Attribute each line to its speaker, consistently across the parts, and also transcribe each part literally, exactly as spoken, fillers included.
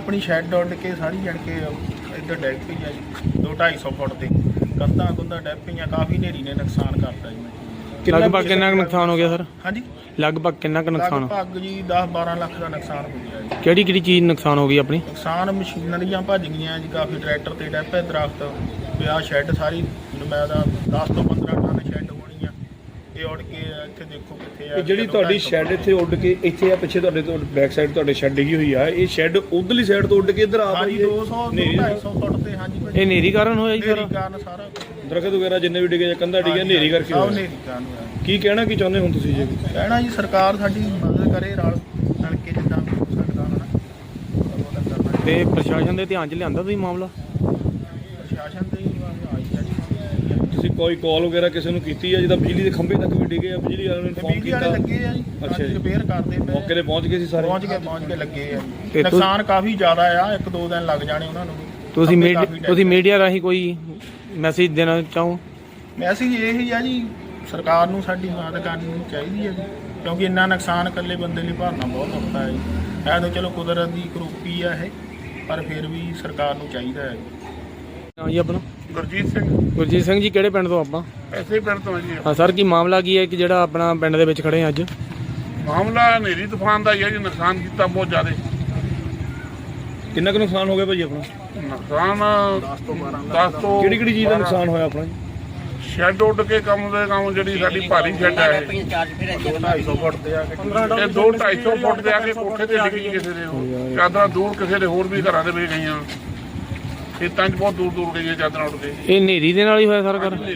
Speaker 1: ਆਪਣੀ ਸ਼ੈੱਡ ਉੱਡ ਕੇ ਸਾਰੀ ਜਣ ਕੇ ਇੱਧਰ ਡੈਗ ਪਈ ਆ ਜੀ ਦੋ ਢਾਈ ਸੌ ਫੁੱਟ ਤੇ ਕੰਧਾਂ ਕੁੰਧਾਂ ਡੈਗ ਪਈਆਂ। ਕਾਫੀ ਹਨੇਰੀ ਨੇ ਨੁਕਸਾਨ ਕਰਤਾ ਜੀ।
Speaker 2: ਲਗਭਗ ਕਿੰਨਾ ਕੁ ਨੁਕਸਾਨ ਹੋ ਗਿਆ ਸਰ?
Speaker 1: ਹਾਂਜੀ
Speaker 2: ਲਗਭਗ ਕਿੰਨਾ ਕੁ ਨੁਕਸਾਨ?
Speaker 1: ਲਗਭਗ ਜੀ ਦਸ ਬਾਰਾਂ ਲੱਖ ਦਾ ਨੁਕਸਾਨ ਹੋ ਗਿਆ ਜੀ।
Speaker 2: ਕਿਹੜੀ ਕਿਹੜੀ ਚੀਜ਼ ਨੁਕਸਾਨ ਹੋ ਗਈ ਆਪਣੀ?
Speaker 1: ਨੁਕਸਾਨ ਮਸ਼ੀਨਰੀਆਂ ਭੱਜ ਗਈਆਂ ਜੀ, ਕਾਫੀ ਟਰੈਕਟਰ ਤੇ ਡੈਪੇ ਦਰਖਤ ਪਿਆ। ਸ਼ੈੱਡ ਸਾਰੀ ਮੈਂ ਦਾ ਦਸ ਤੋਂ ਪੰਦਰਾਂ ਟਨ ਸ਼ੈੱਡ ਹੋਣੀ ਆ। ਇਹ ਉੱਡ ਕੇ ਇੱਥੇ ਦੇਖੋ ਕਿੱਥੇ ਆ
Speaker 3: ਜਿਹੜੀ ਤੁਹਾਡੀ ਸ਼ੈੱਡ ਇੱਥੇ ਉੱਡ ਕੇ ਇੱਥੇ ਆ ਪਿੱਛੇ ਤੁਹਾਡੇ ਤੋਂ ਬੈਕ ਸਾਈਡ ਤੁਹਾਡੇ ਸ਼ੈੱਡ ਡਿੱਗੀ ਹੋਈ ਆ, ਇਹ ਸ਼ੈੱਡ ਉਧਰਲੀ ਸਾਈਡ ਤੋਂ ਉੱਡ ਕੇ ਇੱਧਰ ਆ
Speaker 1: ਹਾਂਜੀ ਦੋ ਸੌ ਢਾਈ ਸੌ ਫੁੱਟ ਤੇ। ਹਾਂਜੀ
Speaker 2: ਇਹ ਹਨੇਰੀ ਕਾਰਨ ਹੋਇਆ ਜੀ
Speaker 1: ਹਨੇਰੀ
Speaker 2: ਸਾਰਾ?
Speaker 1: ਕਾਰਨ ਸਾਰਾ
Speaker 3: ਦਰਖਤ ਵਗੈਰਾ ਜਿੰਨੇ ਵੀ ਡਿੱਗੇ ਜਾਂ ਕੰਧਾ ਡਿੱਗਿਆ ਹਨੇਰੀ ਕਰਕੇ
Speaker 1: ਸਭ
Speaker 3: ਹੋਇਆ।
Speaker 1: ਹਨੇਰੀ ਕਾਰਨ ਹੋਇਆ।
Speaker 3: ਕੀ ਕਹਿਣਾ ਕੀ ਚਾਹੁੰਦੇ ਹੁਣ ਤੁਸੀਂ ਜੀ?
Speaker 1: ਕਹਿਣਾ ਜੀ ਸਰਕਾਰ ਸਾਡੀ ਮਦਦ ਕਰੇ ਰਲ ਰਲ ਕੇ ਜਿੱਦਾਂ ਵੀ ਹੋ ਸਕਦਾ ਹੋਣਾ ਉਹਦਾ ਕਰਨਾ।
Speaker 2: ਤੇ ਪ੍ਰਸ਼ਾਸਨ ਦੇ ਧਿਆਨ 'ਚ ਲਿਆਂਦਾ ਤੁਸੀਂ ਮਾਮਲਾ?
Speaker 1: ਪ੍ਰਸ਼ਾਸਨ ਤੇ ਹੀ ਆਈ ਆ ਜੀ।
Speaker 3: ਤੁਸੀਂ ਕੋਈ ਕਾਲ ਵਗੈਰਾ ਕਿਸੇ ਨੂੰ ਕੀਤੀ ਆ? ਜਿੱਦਾਂ ਬਿਜਲੀ ਦੇ ਖੰਭੇ ਤੱਕ ਵੀ ਡਿੱਗੇ ਆ, ਬਿਜਲੀ ਵਾਲਿਆਂ ਨੂੰ ਇਨਫੋਰਮ
Speaker 1: ਬਿਜਲੀ ਵਾਲੇ
Speaker 3: ਕੀਤਾ?
Speaker 1: ਲੱਗੇ ਆ ਜੀ।
Speaker 3: ਅੱਛਾ ਜੀ।
Speaker 1: ਰਿਪੇਅਰ ਕਰਦੇ ਪਏ।
Speaker 3: ਮੌਕੇ ਤੇ ਪਹੁੰਚ ਗਏ ਸੀ ਸਾਰੇ?
Speaker 1: ਪਹੁੰਚ ਕੇ ਪਹੁੰਚ ਕੇ ਲੱਗੇ ਆ ਜੀ।
Speaker 2: ਤੇ ਤੁ-
Speaker 1: ਨੁਕਸਾਨ ਕਾਫੀ ਜ਼ਿਆਦਾ ਆ, ਇੱਕ ਦੋ ਦਿਨ ਲੱਗ ਜਾਣੇ ਉਹਨਾਂ ਨੂੰ।
Speaker 2: ਤੁਸੀਂ
Speaker 1: ਖੰਭੇ
Speaker 2: ਮੀਡੀਆ
Speaker 1: ਕਾਫੀ
Speaker 2: ਤੁਸੀਂ ਮੀਡੀਆ ਰਾਹੀਂ ਕੋਈ ਮੈਸੇਜ ਦੇਣਾ ਚਾਹੋ?
Speaker 1: ਮੈਸੇਜ ਇਹ ਹੀ ਆ ਜੀ, ਸਰਕਾਰ ਨੂੰ ਸਾਡੀ ਮਦਦ ਕਰਨੀ ਚਾਹੀਦੀ ਹੈ ਜੀ, ਕਿਉਂਕਿ ਇੰਨਾ ਨੁਕਸਾਨ ਇਕੱਲੇ ਬੰਦੇ ਲਈ ਭਰਨਾ ਬਹੁਤ ਔਖਾ ਹੈ ਜੀ। ਇਹ ਤਾਂ ਚਲੋ ਕੁਦਰਤ ਦੀ ਕਰੂਪੀ ਆ ਇਹ, ਪਰ ਫਿਰ ਵੀ ਸਰਕਾਰ ਨੂੰ ਚਾਹੀਦਾ ਹੈ ਜੀ।
Speaker 2: ਹਾਂ ਜੀ ਆਪਣਾ?
Speaker 4: ਗੁਰਜੀਤ ਸਿੰਘ।
Speaker 2: ਗੁਰਜੀਤ ਸਿੰਘ ਜੀ, ਕਿਹੜੇ ਪਿੰਡ ਤੋਂ ਆਪਾਂ?
Speaker 4: ਐਸੇ ਪਿੰਡ ਤੋਂ ਜੀ।
Speaker 2: ਹਾਂ ਸਰ, ਕੀ ਮਾਮਲਾ ਕੀ ਹੈ ਕਿ ਜਿਹੜਾ ਆਪਣਾ ਪਿੰਡ ਦੇ ਵਿੱਚ ਖੜੇ ਆ ਅੱਜ?
Speaker 4: ਮਾਮਲਾ ਹਨੇਰੀ ਤੂਫਾਨ ਦਾ ਹੀ ਹੈ ਜੀ। ਨੁਕਸਾਨ ਕੀਤਾ ਬਹੁਤ ਜ਼ਿਆਦਾ।
Speaker 3: ਕਿੰਨਾ ਕੁ ਨੁਕਸਾਨ ਹੋ ਗਿਆ ਭਾਜੀ ਆਪਣਾ?
Speaker 4: ਨੁਕਸਾਨ
Speaker 1: ਦਸ ਤੋਂ ਬਾਰਾਂ
Speaker 4: ਦਸ ਤੋਂ
Speaker 3: ਕਿਹੜੀ ਕਿਹੜੀ ਚੀਜ਼ ਦਾ ਨੁਕਸਾਨ ਹੋਇਆ ਆਪਣਾ?
Speaker 4: ਸ਼ੈੱਡ ਉੱਡ ਕੇ ਕੰਮ ਦੇ ਕੰਮ ਜਿਹੜੀ ਸਾਡੀ ਭਾਰੀ ਸ਼ੈੱਡ ਹੈ ਇਹ।
Speaker 1: ਦੋ ਢਾਈ ਸੌ ਫੁੱਟ ਤੇ ਆ ਕੇ
Speaker 4: ਇਹ ਦੋ ਢਾਈ ਸੌ ਫੁੱਟ ਦੇ ਆ ਕੇ ਕੋਠੇ ਤੇ ਡਿੱਗੀ ਕਿਸੇ ਦੇ ਉਹ। ਚਾਦਰਾਂ ਦੂਰ ਕਿਸੇ ਦੇ ਹੋਰ ਵੀ ਘਰਾਂ ਦੇ ਵਿੱਚ ਗਈਆਂ। ਖੇਤਾਂ 'ਚ ਬਹੁਤ ਦੂਰ ਦੂਰ ਗਈਆਂ ਚਾਦਰਾਂ ਉੱਡ ਕੇ।
Speaker 2: ਇਹ ਹਨੇਰੀ ਦੇ ਨਾਲ ਹੀ ਹੋਇਆ ਸਾਰਾ ਕਰ?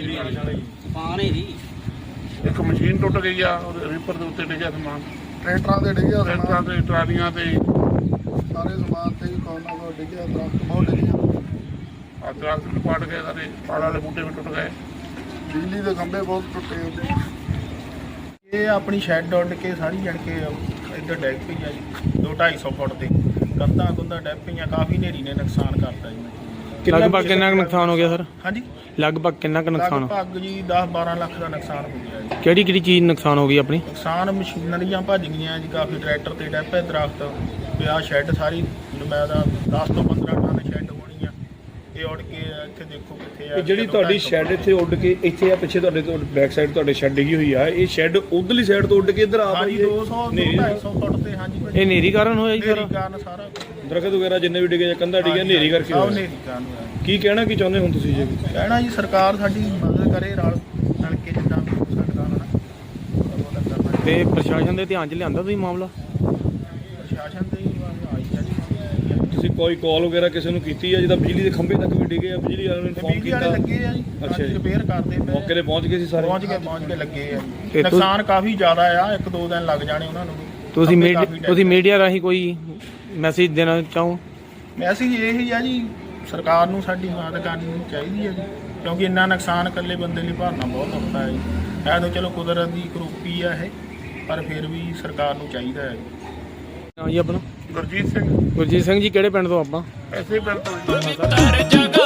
Speaker 4: ਇੱਕ ਮਸ਼ੀਨ ਟੁੱਟ ਗਈ ਆ, ਉਹਦੇ ਰੀਪਰ ਦੇ ਉੱਤੇ ਡਿੱਗਿਆ ਸਮਾਨ।
Speaker 1: ਟਰੈਕਟਰਾਂ ਤੇ ਡਿੱਗਿਆ
Speaker 4: ਟਰੈਕਟਰਾਂ ਤੇ ਟਰਾਲੀਆਂ ਤੇ
Speaker 1: ਸਾਰੇ ਸਮਾਨ ਤੇ ਵੀ ਕੋਨਾ ਕੋ ਡਿੱਗਿਆ, ਦਰਖਤ ਬਹੁਤ ਡਿੱਗਿਆ।
Speaker 4: ਆ ਦਰਖਤ ਵੀ ਪੱਟ ਗਏ ਸਾਰੇ, ਪਾੜ ਵਾਲੇ ਬੂਟੇ ਵੀ ਟੁੱਟ ਗਏ।
Speaker 1: ਬਿਜਲੀ ਦੇ ਖੰਭੇ ਬਹੁਤ ਟੁੱਟੇ ਉਹਦੇ। ਇਹ ਆਪਣੀ ਸ਼ੈੱਡ ਉੱਡ ਕੇ ਸਾਰੀ ਜਣ ਕੇ ਇੱਧਰ ਡੈਗ ਪਈ ਆ ਜੀ ਦੋ ਢਾਈ ਸੌ ਫੁੱਟ ਤੇ ਕੰਧਾਂ ਕੁੰਧਾਂ ਡੈਗ ਪਈਆਂ। ਕਾਫੀ ਹਨੇਰੀ ਨੇ ਨੁਕਸਾਨ ਕਰਤਾ ਜੀ।
Speaker 2: ਲਗਭਗ ਕਿੰਨਾ ਕੁ ਨੁਕਸਾਨ ਹੋ ਗਿਆ ਸਰ?
Speaker 1: ਹਾਂਜੀ
Speaker 2: ਲਗਭਗ ਕਿੰਨਾ ਕੁ ਨੁਕਸਾਨ?
Speaker 1: ਲਗਭਗ ਜੀ ਦਸ ਬਾਰਾਂ ਲੱਖ ਦਾ ਨੁਕਸਾਨ ਹੋ ਗਿਆ ਜੀ।
Speaker 2: ਕਿਹੜੀ ਕਿਹੜੀ ਚੀਜ਼ ਨੁਕਸਾਨ ਹੋ ਗਈ ਆਪਣੀ?
Speaker 1: ਨੁਕਸਾਨ ਮਸ਼ੀਨਰੀਆਂ ਭੱਜ ਗਈਆਂ ਜੀ, ਕਾਫੀ ਟਰੈਕਟਰ ਤੇ ਡੈਪੇ ਦਰਖਤ ਪਿਆ। ਸ਼ੈੱਡ ਸਾਰੀ ਮੈਂ ਦਾ ਦਸ ਤੋਂ ਪੰਦਰਾਂ ਟਨ ਸ਼ੈੱਡ ਹੋਣੀ ਆ। ਇਹ ਉੱਡ ਕੇ ਇੱਥੇ ਦੇਖੋ ਕਿੱਥੇ ਆ
Speaker 3: ਜਿਹੜੀ ਤੁਹਾਡੀ ਸ਼ੈੱਡ ਇੱਥੇ ਉੱਡ ਕੇ ਇੱਥੇ ਆ ਪਿੱਛੇ ਤੁਹਾਡੇ ਤੋਂ ਬੈਕ ਸਾਈਡ ਤੁਹਾਡੇ ਸ਼ੈੱਡ ਡਿੱਗੀ ਹੋਈ ਆ, ਇਹ ਸ਼ੈੱਡ ਉਧਰਲੀ ਸਾਈਡ ਤੋਂ ਉੱਡ ਕੇ ਇੱਧਰ ਆ
Speaker 1: ਹਾਂਜੀ ਦੋ ਸੌ ਢਾਈ ਸੌ ਫੁੱਟ ਤੇ। ਹਾਂਜੀ
Speaker 2: ਇਹ ਹਨੇਰੀ ਕਾਰਨ ਹੋਇਆ ਜੀ
Speaker 1: ਹਨੇਰੀ
Speaker 2: ਸਾਰਾ?
Speaker 1: ਕਾਰਨ ਸਾਰਾ
Speaker 3: ਦਰਖਤ ਵਗੈਰਾ ਜਿੰਨੇ ਵੀ ਡਿੱਗੇ ਜਾਂ ਕੰਧਾ ਡਿੱਗਿਆ ਹਨੇਰੀ ਕਰਕੇ
Speaker 1: ਸਭ
Speaker 3: ਹੋਇਆ।
Speaker 1: ਹਨੇਰੀ ਕਾਰਨ ਹੋਇਆ।
Speaker 3: ਕੀ ਕਹਿਣਾ ਕੀ ਚਾਹੁੰਦੇ ਹੁਣ ਤੁਸੀਂ ਜੀ?
Speaker 1: ਕਹਿਣਾ ਜੀ ਸਰਕਾਰ ਸਾਡੀ ਮਦਦ ਕਰੇ ਰਲ ਰਲ ਕੇ ਜਿੱਦਾਂ ਵੀ ਹੋ ਸਕਦਾ ਹੋਣਾ ਉਹਦਾ ਕਰਨਾ।
Speaker 2: ਤੇ ਪ੍ਰਸ਼ਾਸਨ ਦੇ ਧਿਆਨ 'ਚ ਲਿਆਂਦਾ ਤੁਸੀਂ ਮਾਮਲਾ?
Speaker 1: ਪ੍ਰਸ਼ਾਸਨ ਤੇ ਹੀ ਆਈ ਆ ਜੀ।
Speaker 3: ਤੁਸੀਂ ਕੋਈ ਕਾਲ ਵਗੈਰਾ ਕਿਸੇ ਨੂੰ ਕੀਤੀ ਆ? ਜਿੱਦਾਂ ਬਿਜਲੀ ਦੇ ਖੰਭੇ ਤੱਕ ਵੀ ਡਿੱਗੇ ਆ, ਬਿਜਲੀ ਵਾਲਿਆਂ ਨੂੰ ਇਨਫੋਰਮ
Speaker 1: ਬਿਜਲੀ ਵਾਲੇ
Speaker 3: ਕੀਤਾ?
Speaker 1: ਲੱਗੇ ਆ ਜੀ।
Speaker 3: ਅੱਛਾ ਜੀ।
Speaker 1: ਰਿਪੇਅਰ ਕਰਦੇ ਪਏ।
Speaker 3: ਮੌਕੇ ਤੇ ਪਹੁੰਚ ਗਏ ਸੀ ਸਾਰੇ?
Speaker 1: ਪਹੁੰਚ ਕੇ ਪਹੁੰਚ ਕੇ ਲੱਗੇ ਆ
Speaker 2: ਤੇ
Speaker 1: ਜੀ।
Speaker 2: ਤੁ-
Speaker 1: ਨੁਕਸਾਨ ਕਾਫੀ ਜ਼ਿਆਦਾ ਆ, ਇੱਕ ਦੋ ਦਿਨ ਲੱਗ ਜਾਣੇ ਉਹਨਾਂ ਨੂੰ।
Speaker 2: ਤੁਸੀਂ
Speaker 1: ਖੰਭੇ
Speaker 2: ਮੀਡੀਆ
Speaker 1: ਕਾਫੀ
Speaker 2: ਤੁਸੀਂ ਮੀਡੀਆ ਰਾਹੀਂ ਕੋਈ ਮੈਸੇਜ ਦੇਣਾ ਚਾਹੋ?
Speaker 1: ਮੈਸੇਜ ਇਹ ਹੀ ਆ ਜੀ, ਸਰਕਾਰ ਨੂੰ ਸਾਡੀ ਮਦਦ ਕਰਨੀ ਚਾਹੀਦੀ ਹੈ ਜੀ, ਕਿਉਂਕਿ ਇੰਨਾ ਨੁਕਸਾਨ ਇਕੱਲੇ ਬੰਦੇ ਲਈ ਭਰਨਾ ਬਹੁਤ ਔਖਾ ਹੈ ਜੀ। ਇਹ ਤਾਂ ਚਲੋ ਕੁਦਰਤ ਦੀ ਕਰੂਪੀ ਆ ਇਹ, ਪਰ ਫਿਰ ਵੀ ਸਰਕਾਰ ਨੂੰ ਚਾਹੀਦਾ ਹੈ ਜੀ।
Speaker 2: ਹਾਂ ਜੀ ਆਪਣਾ?
Speaker 4: ਗੁਰਜੀਤ ਸਿੰਘ।
Speaker 2: ਗੁਰਜੀਤ ਸਿੰਘ ਜੀ, ਕਿਹੜੇ ਪਿੰਡ ਤੋਂ ਆਪਾਂ?
Speaker 4: ਐਸੇ ਪਿੰਡ ਤੋਂ ਜੀ।